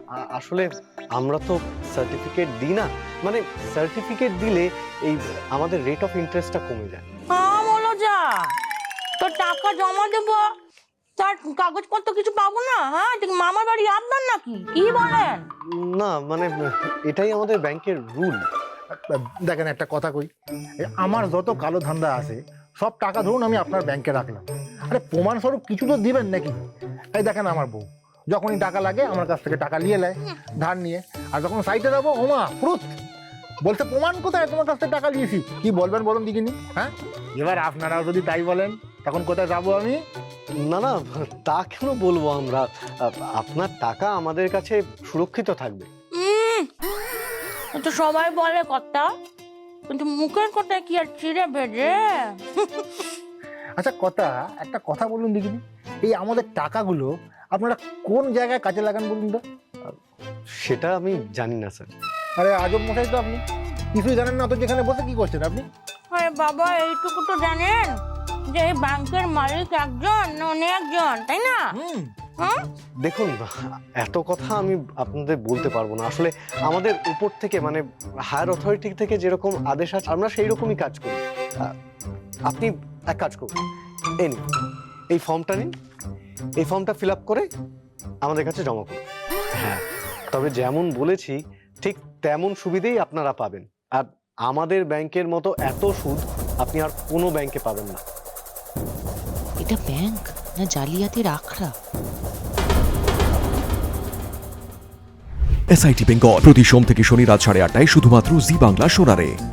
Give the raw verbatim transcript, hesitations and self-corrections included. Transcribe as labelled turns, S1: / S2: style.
S1: আসলে আমরা তো সার্টিফিকেট দিই না, মানে সার্টিফিকেট দিলে এই আমাদের রেট অফ ইন্টারেস্টটা কমে যায়।
S2: হ্যাঁ বলো যা, তো টাকা জমা দেবো তার কাগজপত্র কিছু পাবো না? হ্যাঁ ঠিক মামার বাড়ি আপনার নাকি, কি বলেন?
S1: না মানে এটাই আমাদের ব্যাংকের রুল।
S3: দেখেন একটা কথা কই, আমার যত কালো ধান্দা আছে সব টাকা ধরুন আমি আপনার ব্যাংকে রাখলাম, আরে প্রমাণস্বরূপ কিছু তো দিবেন নাকি? এই দেখেন আমার বউ যখনই টাকা লাগে আমার কাছ থেকে টাকা নিয়ে নেয় ধার নিয়ে, আর যখন সাইটে যাবো ওমা ফ্রুত বলতে প্রমাণ কোথায় তোমার কাছ থেকে টাকা নিয়েছি, কি বলবেন বলুন দেখিনি? হ্যাঁ এবার আপনারাও যদি তাই বলেন তখন কোথায় যাবো আমি?
S1: না না তা কেন বলবো আমরা, আপনার টাকা আমাদের কাছে সুরক্ষিত থাকবে।
S2: উম, তো সবাই বলে কথা, কিন্তু মুখের কথা কি আর চিড়ে ভেজে?
S3: আচ্ছা কথা একটা কথা বলুন দেখিনি, এই আমাদের টাকাগুলো আপনারা কোন জায়গায় কাজে লাগান বলুন তো?
S1: সেটা আমি জানি না স্যার।
S3: আরে আজব মশাই তো আপনি, কিছুই জানেন না, তো যেখানে বসে কি করছেন আপনি?
S2: আরে বাবা এইটুকু তো জানেন যে এই ব্যাংকের মালিক একজন না অনেকজন, তাই না? হ্যাঁ
S1: দেখুন এত কথা আমি আপনাদের বলতে পারবো না, আসলে আমাদের উপর থেকে মানে হায়ার অথরিটি থেকে যেরকম আদেশ আছে আমরা সেই রকমই কাজ করি। আহ, আপনি এক কাজ করুন, এই নিন এই ফর্মটা নিন, এই ফর্মটা ফিল আপ করে আমাদের কাছে জমা করুন। হ্যাঁ তবে যেমন বলেছি ঠিক তেমন সুবিধেই আপনারা পাবেন, আর আমাদের ব্যাংকের মতো এত সুদ আপনি আর কোনো ব্যাংকে পাবেন না।
S4: এটা ব্যাংক না জালিয়াতির আখড়া?
S5: এসআইটি বেঙ্গল প্রতি সোম থেকে শনি রাত সাড়ে আটটায় শুধুমাত্র জি বাংলা সোনারে।